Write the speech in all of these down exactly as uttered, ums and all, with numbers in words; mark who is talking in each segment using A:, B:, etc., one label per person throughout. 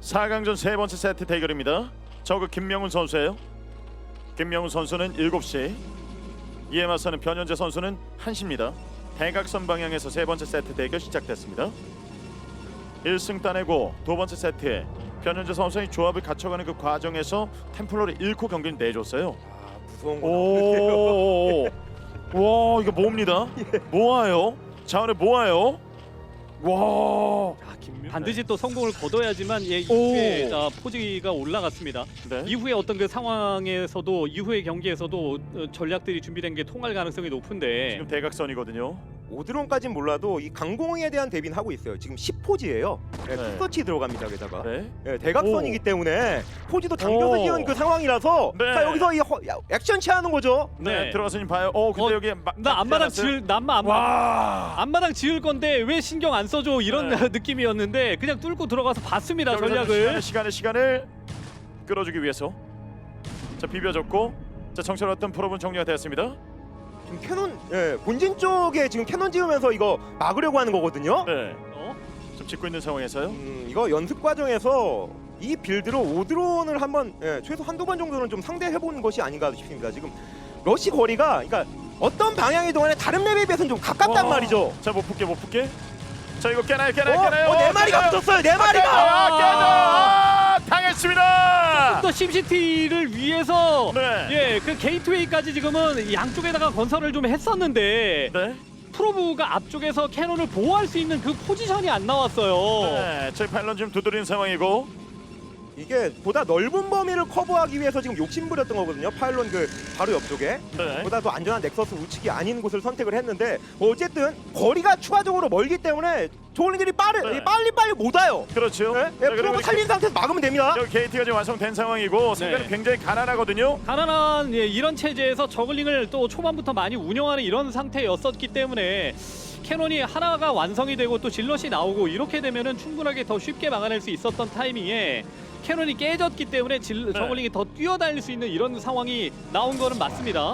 A: 사 강전 세 번째 세트 대결입니다. 저그 김명훈 선수예요. 김명훈 선수는 일곱 시, 이에 맞서는 변현재 선수는 한 시입니다. 대각선 방향에서 세 번째 세트 대결 시작됐습니다. 일 승 따내고 두 번째 세트에 변현재 선수의 조합을 갖춰가는 그 과정에서 템플러를 잃고 경기를 내줬어요.
B: 아, 무서운 거.
A: 오, 와 이거 모읍니다. 모아요. 자원을 모아요. 와,
C: 아, 김... 반드시 또 성공을 거둬야지만 예,
A: 오.
C: 이후에 자, 포지가 올라갔습니다.
A: 네.
C: 이후에 어떤 그 상황에서도 이후의 경기에서도 어, 전략들이 준비된 게 통할 가능성이 높은데
A: 지금 대각선이거든요.
B: 오드론까진 몰라도 이 강공에 대한 대비는 하고 있어요. 지금 십 포지예요. 네,
A: 네.
B: 투서치 들어갑니다. 게다가
A: 네.
B: 네, 대각선이기 때문에 포지도 당겨서
A: 오.
B: 지은 그 상황이라서
A: 네.
B: 자, 여기서 이 허, 야, 액션 취하는 거죠.
A: 네,
C: 네.
A: 들어가서 좀 봐요. 어, 근데
C: 어,
A: 여기 마,
C: 나 앞마당 지을 남마 앞마
A: 와,
C: 앞마당 지을 건데 왜 신경 안 써줘 이런
A: 네.
C: 느낌이었는데 그냥 뚫고 들어가서 봤습니다.
A: 여기서
C: 전략을.
A: 시간을, 시간을 시간을 끌어주기 위해서 자 비벼줬고 자 정찰했던 프로분 정리가 되었습니다.
B: 지금 캐논 예, 본진 쪽에 지금 캐논 지으면서 이거 막으려고 하는 거거든요.
A: 네,
C: 어?
A: 좀 짓고 있는 상황에서요.
B: 음, 이거 연습 과정에서 이 빌드로 오드론을 한번 예, 최소 한두 번 정도는 좀 상대해보는 것이 아닌가 싶습니다. 지금 러시 거리가 그러니까 어떤 방향이 동안에 다른 맵에 비해서는 좀 가깝단
A: 와.
B: 말이죠.
A: 자못 붙게 못 붙게. 자 이거 깨나요 깨나요
B: 어,
A: 깨나요.
B: 어, 네 마리가
A: 깨나요.
B: 붙었어요. 네
A: 아,
B: 마리가.
A: 깨져 아, 당했습니다.
C: 또 심시티를 위해서
A: 네.
C: 예, 그 게이트웨이까지 지금은 양쪽에다가 건설을 좀 했었는데
A: 네.
C: 프로브가 앞쪽에서 캐논을 보호할 수 있는 그 포지션이 안 나왔어요.
A: 네, 저희 파일런 지금 두드리는 상황이고.
B: 이게 보다 넓은 범위를 커버하기 위해서 지금 욕심부렸던 거거든요. 파일론 그 바로 옆쪽에
A: 네.
B: 보다 더 안전한 넥서스 우측이 아닌 곳을 선택을 했는데 어쨌든 거리가 추가적으로 멀기 때문에 저글링들이 빠르
A: 네.
B: 빨리 빨리 못 와요.
A: 그렇죠.
B: 네?
A: 자,
B: 네,
A: 그리고
B: 프로브 살린 상태에서 막으면 됩니다.
A: 여기 게이트가 지금 완성된 상황이고 상대는
C: 네.
A: 굉장히 가난하거든요.
C: 가난한 예, 이런 체제에서 저글링을 또 초반부터 많이 운영하는 이런 상태였었기 때문에 캐논이 하나가 완성이 되고 또 질럿이 나오고 이렇게 되면은 충분하게 더 쉽게 막아낼 수 있었던 타이밍에 캐논이 깨졌기 때문에 질,
A: 네.
C: 저글링이 더 뛰어다닐 수 있는 이런 상황이 나온 거는 맞습니다.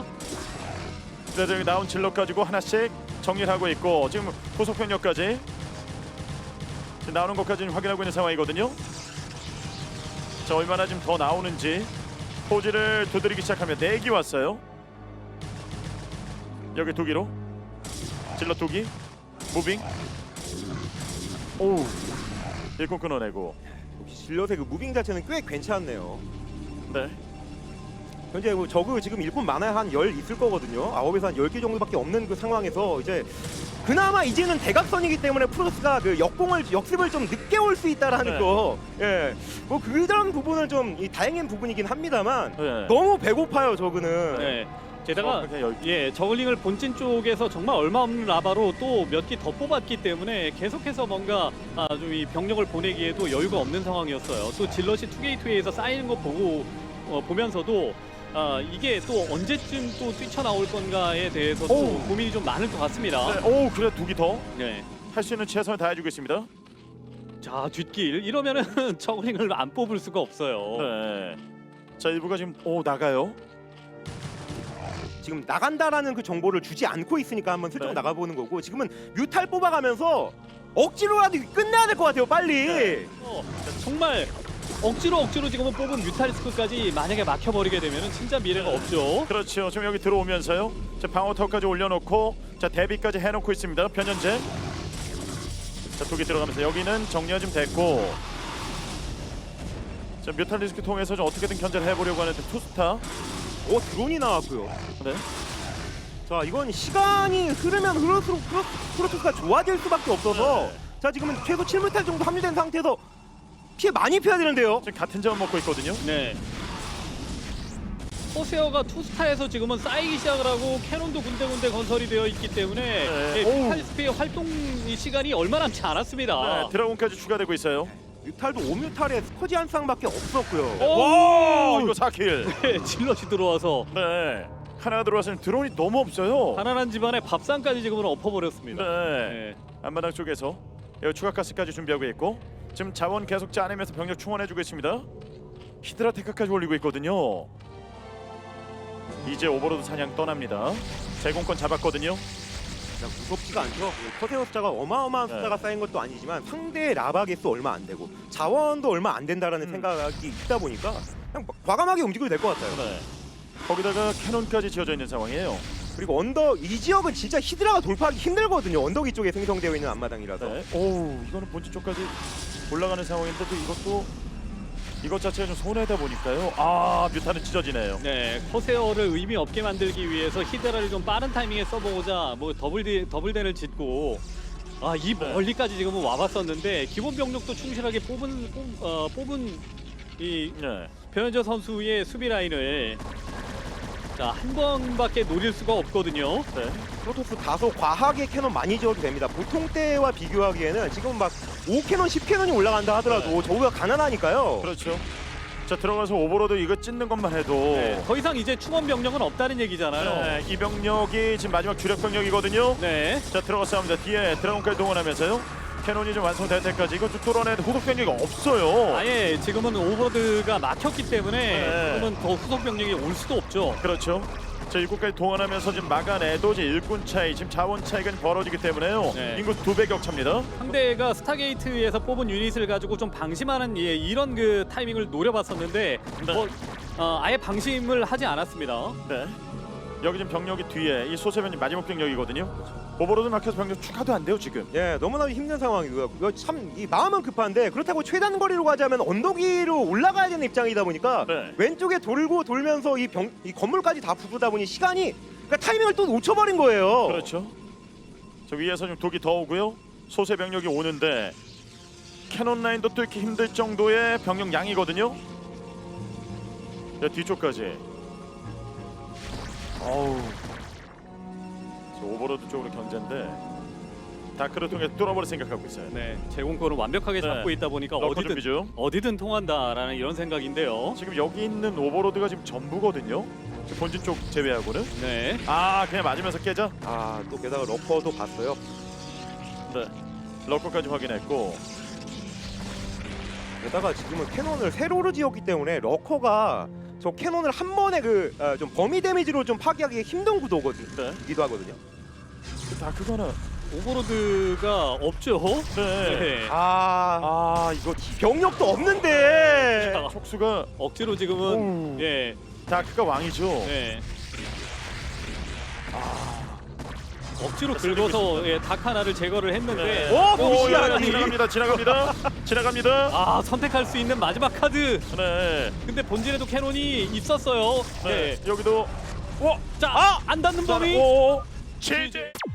A: 네, 여기 나온 질럿 가지고 하나씩 정리를 하고 있고 지금 후속 병력까지 지금 나오는 것까지 확인하고 있는 상황이거든요. 자 얼마나 지금 더 나오는지 포지를 두드리기 시작하면 네 기 왔어요. 여기 두 기로 질럿 두 기 무빙. 오 일꾼 끊어내고.
B: 역시 질럿의 그 무빙 자체는 꽤 괜찮네요.
A: 네.
B: 현재 뭐 저그 지금 일꾼 많아야 한 열 있을 거거든요. 아홉에서 한 열 개 정도밖에 없는 그 상황에서 이제 그나마 이제는 대각선이기 때문에 프로스가 그 역공을 역습을 좀 늦게 올 수 있다라는
A: 네.
B: 거. 예. 뭐 그런 부분은 좀 이 다행인 부분이긴 합니다만
A: 네.
B: 너무 배고파요, 저그는.
C: 네. 게다가
A: 어, 그냥 열-
C: 예 저글링을 본진 쪽에서 정말 얼마 없는 라바로 또 몇 기 더 뽑았기 때문에 계속해서 뭔가 아, 좀 이 병력을 보내기에도 여유가 없는 상황이었어요. 또 질럿이 투게이트웨이에서 쌓이는 거 보고 어, 보면서도 아, 이게 또 언제쯤 또 뛰쳐나올 건가에 대해서도
A: 오.
C: 고민이 좀 많을 것 같습니다.
A: 네. 오 그래 두 기 더.
C: 네.
A: 할 수 있는 최선을 다해주고 있습니다.
C: 자 뒷길 이러면은 저글링을 안 뽑을 수가 없어요.
A: 네. 자 일부가 지금 오 나가요.
B: 지금 나간다라는 그 정보를 주지 않고 있으니까 한번 슬쩍
A: 네.
B: 나가보는 거고 지금은 뮤탈 뽑아가면서 억지로라도 끝내야 될 것 같아요, 빨리.
A: 네.
C: 어, 정말 억지로 억지로 지금은 뽑은 뮤탈리스크까지 만약에 막혀버리게 되면은 진짜 미래가 없죠.
A: 그렇죠. 지금 여기 들어오면서요. 자 방어턱까지 올려놓고 자 대비까지 해놓고 있습니다. 변현재. 자 두 개 들어가면서 여기는 정리가 좀 됐고. 자 뮤탈리스크 통해서 좀 어떻게든 견제를 해보려고 하는데 투스타.
B: 오, 드론이 나왔고요.
A: 네.
B: 자, 이건 시간이 흐르면 흐를수록 프로- 프로토스가 좋아질 수밖에 없어서
A: 네.
B: 자, 지금은 최소 칠 뮤탈 정도 합류된 상태에서 피해 많이 피해야 되는데요.
A: 지금 같은 점을 먹고 있거든요.
C: 네. 호세어가 투스타에서 지금은 쌓이기 시작을 하고 캐논도 군데군데 건설이 되어 있기 때문에
A: 네.
C: 예,
A: 오우.
C: 뮤탈리스크의 활동 이 시간이 얼마 남지 않았습니다.
A: 네, 드라곤까지 추가되고 있어요.
B: 뮤탈도 오 뮤탈에 스커지 한 쌍밖에 없었고요.
C: 오!
A: 와 이거 사 킬.
C: 네, 질럿이 들어와서
A: 네. 하나 들어와서는 드론이 너무 없어요.
C: 가난한 집안의 밥상까지 지금은 엎어버렸습니다.
A: 네.
C: 네.
A: 앞마당 쪽에서 여기 추가 가스까지 준비하고 있고 지금 자원 계속 짜내면서 병력 충원해주고 있습니다. 히드라 테크까지 올리고 있거든요. 이제 오버로드 사냥 떠납니다. 제공권 잡았거든요.
B: 그냥 무섭지가 않죠. 커세어 숫자가 어마어마한
A: 네.
B: 숫자가 쌓인 것도 아니지만 상대의 라바 개수 얼마 안 되고 자원도 얼마 안 된다라는
A: 음.
B: 생각이 있다 보니까 그냥 과감하게 움직여도 될 것 같아요.
A: 네. 거기다가 캐논까지 지어져 있는 상황이에요.
B: 그리고 언덕 이 지역은 진짜 히드라가 돌파하기 힘들거든요. 언덕 이쪽에 생성되어 있는 앞마당이라서.
A: 네. 오, 이거는 본진 쪽까지 올라가는 상황인데도 이것도 이것 자체가 좀 손해다 보니까요. 아, 뮤타는 찢어지네요.
C: 네, 커세어를 의미 없게 만들기 위해서 히드라를 좀 빠른 타이밍에 써보고자 뭐 더블 더블댄을 짓고 아 이
A: 네.
C: 멀리까지 지금은 와봤었는데 기본 병력도 충실하게 뽑은 뽑, 어, 뽑은 이
A: 네.
C: 변현재 선수의 수비 라인을 자 한 번밖에 노릴 수가 없거든요.
A: 네.
B: 프로토스 다소 과하게 캐논 많이 지어도 됩니다. 보통 때와 비교하기에는 지금 막 오 캐논, 십 캐논이 올라간다 하더라도
A: 네.
B: 저우가 가난하니까요.
A: 그렇죠. 자, 들어가서 오버로드 이거 찢는 것만 해도
C: 네, 더 이상 이제 충원 병력은 없다는 얘기잖아요.
A: 네, 이 병력이 지금 마지막 주력 병력이거든요.
C: 네.
A: 자, 들어가서 합니다. 뒤에 드라곤까지 동원하면서요. 캐논이 좀 완성될 때까지 이거 좀 뚫어내도 후속 병력이 없어요.
C: 아예 지금은 오버로드가 막혔기 때문에
A: 네.
C: 지금은 더 후속 병력이 올 수도 없죠.
A: 그렇죠. 자, 일꾼까지 동원하면서 지금 막아내도 이제 일꾼 차이, 지금 자원 차이가 좀 벌어지기 때문에요.
C: 네.
A: 인구 두 배 격차입니다.
C: 상대가 스타게이트에서 뽑은 유닛을 가지고 좀 방심하는 예, 이런 그 타이밍을 노려봤었는데
A: 네.
C: 뭐 어, 아예 방심을 하지 않았습니다.
A: 네. 여기 지금 병력이 뒤에 이 소세변이 마지막 병력이거든요. 오버로드 막혀서 병력 추가도 안 돼요 지금.
B: 예, 너무나 힘든 상황이고요. 이거 참 이 마음은 급한데 그렇다고 최단 거리로 가자면 언덕 위로 올라가야 되는 입장이다 보니까
A: 네.
B: 왼쪽에 돌고 돌면서 이, 병, 이 건물까지 다 부수다 보니 시간이 그러니까 타이밍을 또 놓쳐버린 거예요.
A: 그렇죠. 저 위에서 좀 독이 더 오고요. 소세 병력이 오는데 캐논 라인도 뚫기 힘들 정도의 병력 양이거든요. 자, 뒤쪽까지. 어우. 저 오버로드 쪽으로 견제인데 다크를 통해 뚫어버릴 생각하고 있어요.
C: 네, 제공권을 완벽하게
A: 네.
C: 잡고 있다 보니까
A: 러커
C: 어디든
A: 준비 중.
C: 어디든 통한다라는 이런 생각인데요.
A: 지금 여기 있는 오버로드가 지금 전부거든요. 지금 본진 쪽 제외하고는.
C: 네,
A: 아, 그냥 맞으면서 깨져.
B: 아, 또 게다가 러커도 봤어요.
A: 네. 러커까지 확인했고.
B: 게다가 지금은 캐논을 세로로 지었기 때문에 러커가 저 캐논을 한 번에 그 좀 범위 데미지로 좀 파괴하기 힘든 구도거든요.
A: 네.
B: 기도 하거든요.
A: 그 다크가는.
C: 오버로드가 없죠.
A: 네.
C: 네.
B: 아,
A: 아, 이거
B: 병력도 없는데.
C: 자,
A: 촉수가
C: 억지로 지금은
A: 오.
C: 예,
A: 다크가 왕이죠.
C: 네. 억지로
A: 자,
C: 긁어서 예, 닭 하나를 제거를 했는데
A: 네.
B: 오,
A: 오,
B: 무시하니.
A: 지나갑니다. 지나갑니다. 지나갑니다.
C: 아 선택할 수 있는 마지막 카드.
A: 네.
C: 근데 본진에도 캐논이 있었어요.
A: 네.
C: 네.
A: 여기도
C: 자, 안 닿는 범위.
A: 오. 제재.